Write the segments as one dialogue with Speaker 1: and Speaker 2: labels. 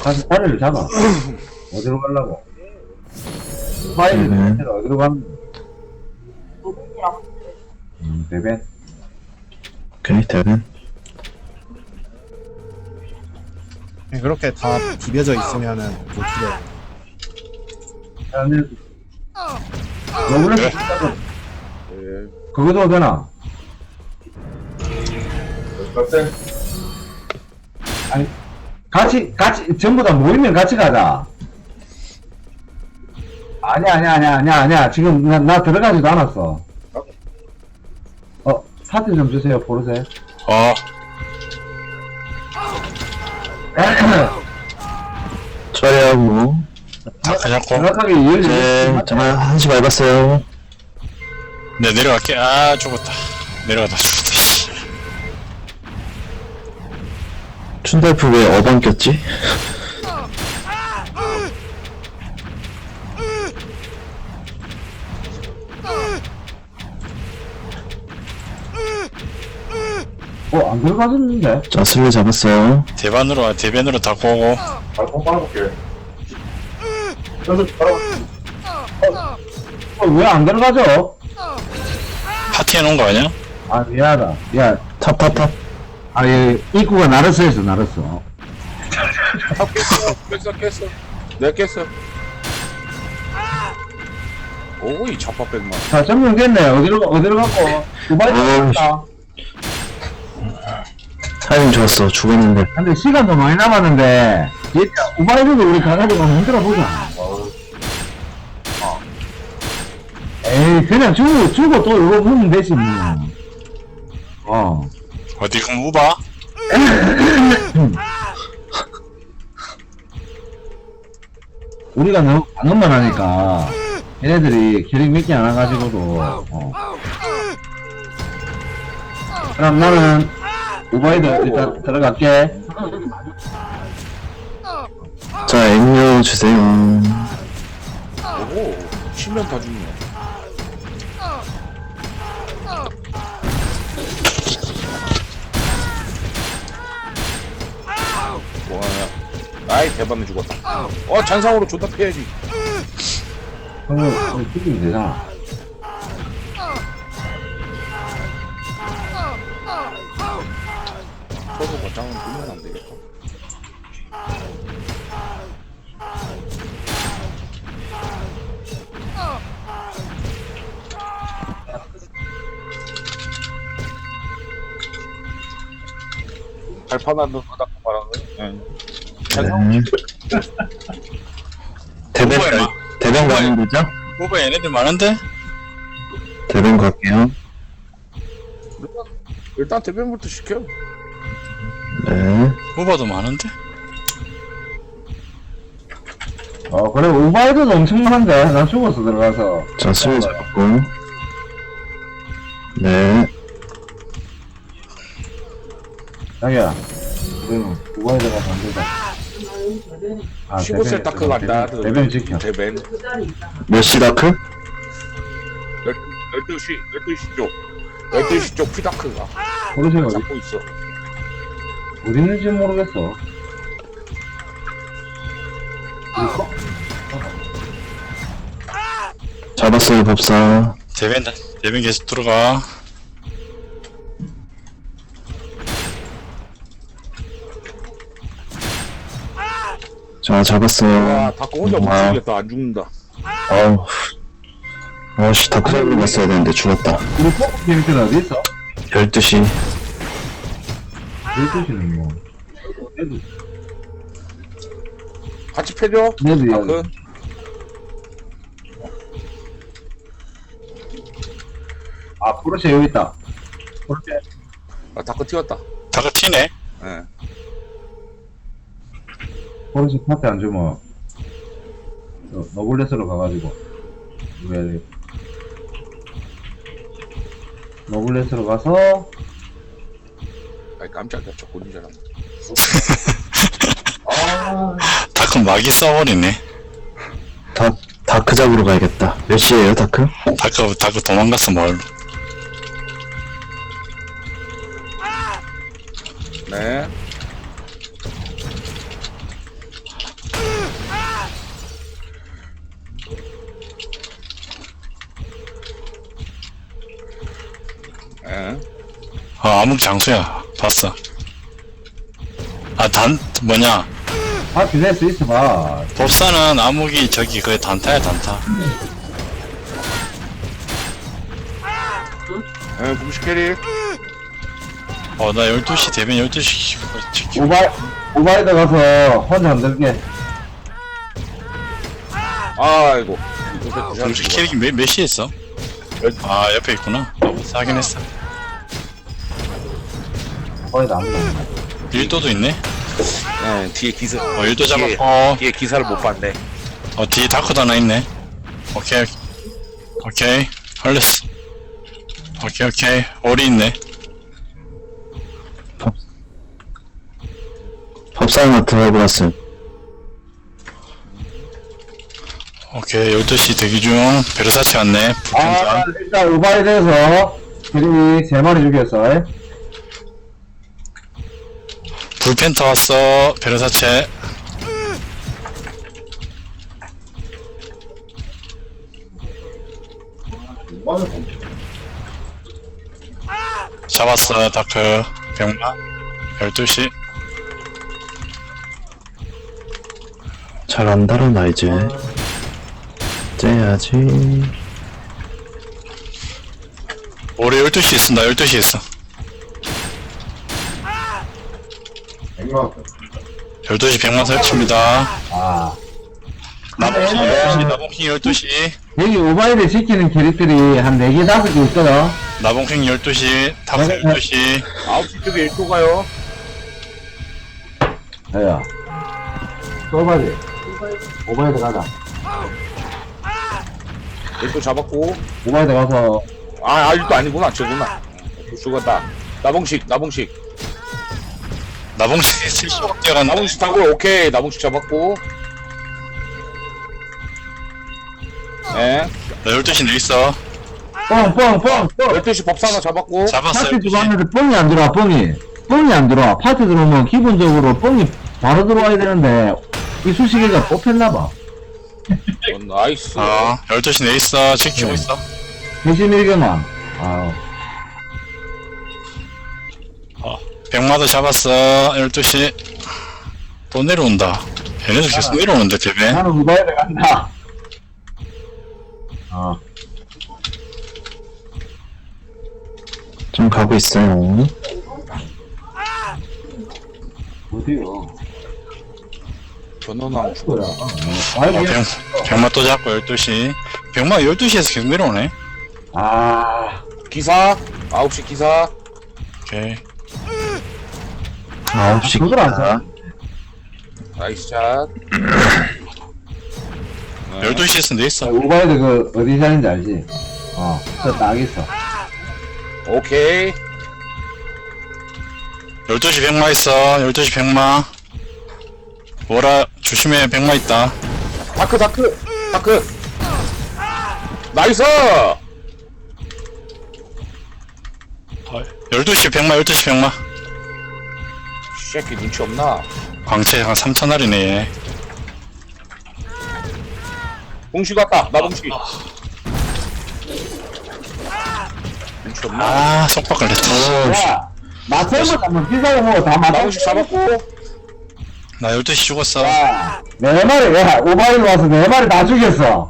Speaker 1: 가서 자리를 잡아. 어디로 가려고? 파일을 어디로 가는 거야? 대변.
Speaker 2: 오케이, 대변.
Speaker 3: 그렇게 다 비벼져 있으면은 못 죽여.
Speaker 1: 아니, 너구리 그거도 되나? 아니, 같이, 전부 다 모이면 같이 가자. 아니야. 지금 나 들어가지도 않았어. 사진 좀 주세요, 보르세.
Speaker 2: 처리하고.
Speaker 1: 정확하게
Speaker 2: 네, 정말 한시 밟았어요.
Speaker 4: 네, 내려갈게. 아, 죽었다. 내려가다 죽었다. 씨.
Speaker 2: 춘달프 왜 어방 꼈지?
Speaker 1: 안 들어가졌는데?
Speaker 2: 자, 슬레 잡았어요.
Speaker 4: 대변으로 다 꼬고.
Speaker 1: 발톱 빨아볼게. 왜 안 들어가죠?
Speaker 4: 파티 해놓은 거 아니야?
Speaker 1: 미안하다. 야,
Speaker 2: 탑.
Speaker 1: 얘, 입구가 나르스 했어, 나르스.
Speaker 5: 깼어. 내가 깼어. 오이 잡아백만.
Speaker 1: 자, 점령됐네. 어디로 갔고? 두바이 갔다.
Speaker 2: 타이밍 좋았어. 죽었는데.
Speaker 1: 근데 시간도 많이 남았는데, 우바이브도 우리 가가지고 한번 힘들어 보자. 에이, 그냥 주고 또 이거 보면 되지, 뭐.
Speaker 4: 어디 그럼 우바?
Speaker 1: 우리가 너무 방금만 하니까, 얘네들이 캐릭 몇 개 안 와가지고도, 그럼 나는, 우바이드 일단 들어갈게.
Speaker 2: 자, 엠료 주세요.
Speaker 5: 오, 치면 다 죽네. 와, 아이 대박에 죽었다. 잔상으로 존나 패야지.
Speaker 1: 형은 죽이면 되잖아.
Speaker 5: 서로 거장은 보면 안 되겠다. 발판한 거 닦고 말하는 거.
Speaker 2: 대변 가는 거죠?
Speaker 4: 우바 얘네들 많은데?
Speaker 2: 대변 갈게요.
Speaker 5: 일단 대변부터 시켜.
Speaker 2: 네.
Speaker 4: 우바도 많은데?
Speaker 1: 그래, 우바이드도 엄청 많은데? 난 죽었어, 들어가서.
Speaker 2: 자, 슬레 잡았고. 네.
Speaker 1: 자기야, 우리는 우바이드 가서 안 되자.
Speaker 5: 15세 다크 간다.
Speaker 1: 대변 지켜.
Speaker 5: 대변.
Speaker 2: 몇 시 다크?
Speaker 5: 12시 쪽. 12시 쪽 피다크가
Speaker 1: 보르세가
Speaker 5: 잡고 있어.
Speaker 1: 어디 있는지 모르겠어.
Speaker 2: 잡았어요, 법사.
Speaker 4: 대변 계속 들어가.
Speaker 2: 자, 잡았어요.
Speaker 5: 와, 다크 혼자 못
Speaker 2: 아.
Speaker 5: 죽겠다. 안 죽는다.
Speaker 2: 아우. 아씨, 다크 잡으러 갔어야 되는데 죽었다.
Speaker 1: 우리 포크 캐릭터는 어디 있어?
Speaker 2: 12시.
Speaker 1: 12시는 뭐.
Speaker 5: 같이 패줘.
Speaker 1: 얘도
Speaker 5: 다크.
Speaker 1: 보르세 여기 있다. 보르세.
Speaker 5: 다크 튀었다.
Speaker 4: 다가 튀네.
Speaker 5: 예.
Speaker 1: 보르세 파트 안 주면, 너블레스로 가가지고. 왜, 너블레스로 가서,
Speaker 5: 아이 깜짝이야. 저 고진 줄 알았네.
Speaker 4: 다크 막이 써버리네.
Speaker 2: 다크 잡으러 가야겠다. 몇 시에요, 다크?
Speaker 4: 다크 도망갔어, 뭘.
Speaker 5: 네.
Speaker 4: 암흑 장수야. 봤어. 아, 뭐냐.
Speaker 1: 아, 빌릴 수 있어 봐.
Speaker 4: 법사는 암흑이 저기 그 단타야, 단타.
Speaker 5: 예, 공식 캐릭.
Speaker 4: 나 12시, 대변 12시.
Speaker 1: 오바이드 가서 혼자 흔들게.
Speaker 5: 아이고.
Speaker 4: 공식 캐릭이 몇 시에 있어? 아, 옆에 있구나. 법사 하긴 했어.
Speaker 1: 오바이드 아무도 없네.
Speaker 4: 일도도 있네?
Speaker 5: 예, 뒤에 기사.
Speaker 4: 일도
Speaker 5: 뒤에-
Speaker 4: 잡았고.
Speaker 5: 뒤에 기사를 못 봤네.
Speaker 4: 뒤에 다크도 하나 있네. 오케이. 걸렸어. 오케이. 오리 있네.
Speaker 2: 법사나 들어버렸음.
Speaker 4: 오케이, 12시 대기 중. 베르사체 왔네. 불펜자.
Speaker 1: 아, 일단 오바이드에서 캐릭이 3마리 죽였어.
Speaker 4: 불펜터 왔어. 베르사체. 잡았어, 다크. 병마. 12시.
Speaker 2: 잘 안 달아나, 이제. 째야지.
Speaker 4: 올해 12시 있어. 나 12시 있어. 12시 100만 설치입니다.
Speaker 1: 아.
Speaker 4: 나봉킹 12시, 나봉킹 12시.
Speaker 1: 여기 오바이드 지키는 캐릭들이 한 4개, 5개 있거든.
Speaker 4: 나봉킹 12시, 다크 12시.
Speaker 5: 9시 쪽에 1도 가요.
Speaker 1: 야. 오바이드. 오바이드 가자.
Speaker 5: 1도 잡았고.
Speaker 1: 오바이드 가서.
Speaker 5: 아, 1도 아니구나. 저구나. 죽었다. 나봉식.
Speaker 4: 나봉식 실수가 뛰어간다.
Speaker 5: 나봉식 타고, 오케이. 나봉식 잡았고. 예.
Speaker 4: 나 12시 내 있어.
Speaker 1: 뻥.
Speaker 5: 12시 법사 하나 잡았고.
Speaker 4: 잡았어,
Speaker 1: 파티
Speaker 4: 12시.
Speaker 1: 들어왔는데 뻥이 안 들어와, 뻥이 안 들어와. 파티 들어오면 기본적으로 뻥이 바로 들어와야 되는데, 이 수식이가 뽑혔나봐.
Speaker 5: 나이스.
Speaker 4: 12시 내 있어. 지키고 있어.
Speaker 1: 대신 1개만. 아우.
Speaker 4: 100마도 잡았어. 12시. 또 내려온다. 얘네들 계속 내려오는데, 대배.
Speaker 1: 나는 오바이드 간다.
Speaker 2: 좀 가고 있어요.
Speaker 1: 어디요?
Speaker 5: 전원왕
Speaker 1: 뭐야?
Speaker 4: 어, 병마 또 잡고 12시. 병마 12시에서 계속 내려오네.
Speaker 5: 기사. 9시 기사.
Speaker 4: 오케이.
Speaker 2: 9시
Speaker 1: 그걸 안 사.
Speaker 5: 나이스 샷.
Speaker 4: 12시에서 내 있어.
Speaker 1: 오바이드 그 어디 사는지 알지? 딱 있어.
Speaker 5: 오케이.
Speaker 4: 12시 100마 있어. 12시 100마. 뭐라, 조심해. 100마 있다.
Speaker 5: 다크. 나이스!
Speaker 4: 12시 100마, 12시 100마.
Speaker 5: 새끼 눈치 없나?
Speaker 4: 광채 한 3,000알이네, 얘.
Speaker 5: 봉식 왔다. 나 봉식. 눈치 없나?
Speaker 4: 속박 걸렸다.
Speaker 1: 야, 맞춰서 한번 비싸고 뭐다
Speaker 5: 나
Speaker 1: 맞춰.
Speaker 5: 봉식 잡았고.
Speaker 4: 나 12시 죽었어.
Speaker 1: 야, 4마리, 야, 오바이드 와서 4마리 다 죽였어.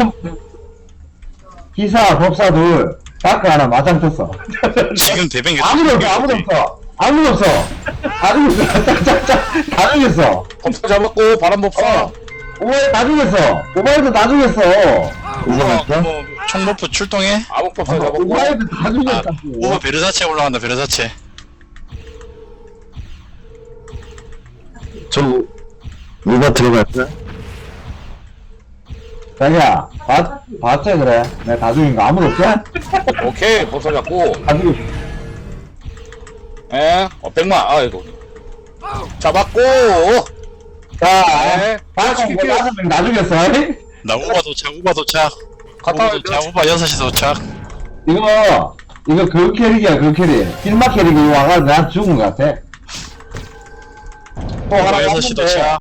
Speaker 1: 기사, 법사 둘, 다크 하나 마장 떴어.
Speaker 4: 지금 대변 계속
Speaker 1: 아무도 없어. 다 죽였어.
Speaker 5: 법사 잡았고, 바람법사.
Speaker 1: 오바이드 다 죽였어. 오바이드 다 죽였어.
Speaker 4: 총버프 출동해?
Speaker 5: 아목법사 잡았고.
Speaker 1: 오바이드 다 죽였다고.
Speaker 4: 오버 베르사체 올라간다, 베르사체.
Speaker 2: 저, 누가 들어갈까?
Speaker 1: 자기야, 봤지, 그래? 내가 다 죽인 거 아무도 없지?
Speaker 5: 오케이, 법사 잡고.
Speaker 1: 다 죽였어.
Speaker 5: 예, 100만. 아이고. 잡았고.
Speaker 1: 자,
Speaker 5: 네.
Speaker 1: 다섯 명 다 죽였어.
Speaker 4: 나 우바 도착.
Speaker 5: 갔다
Speaker 4: 우바 도착, 우바 6시 도착.
Speaker 1: 이거 그 캐릭이야, 그 캐릭. 필마 캐릭이 와가지고 나 죽은 것 같아. 또 하나
Speaker 4: 우바 6시
Speaker 1: 왔는데.
Speaker 4: 도착.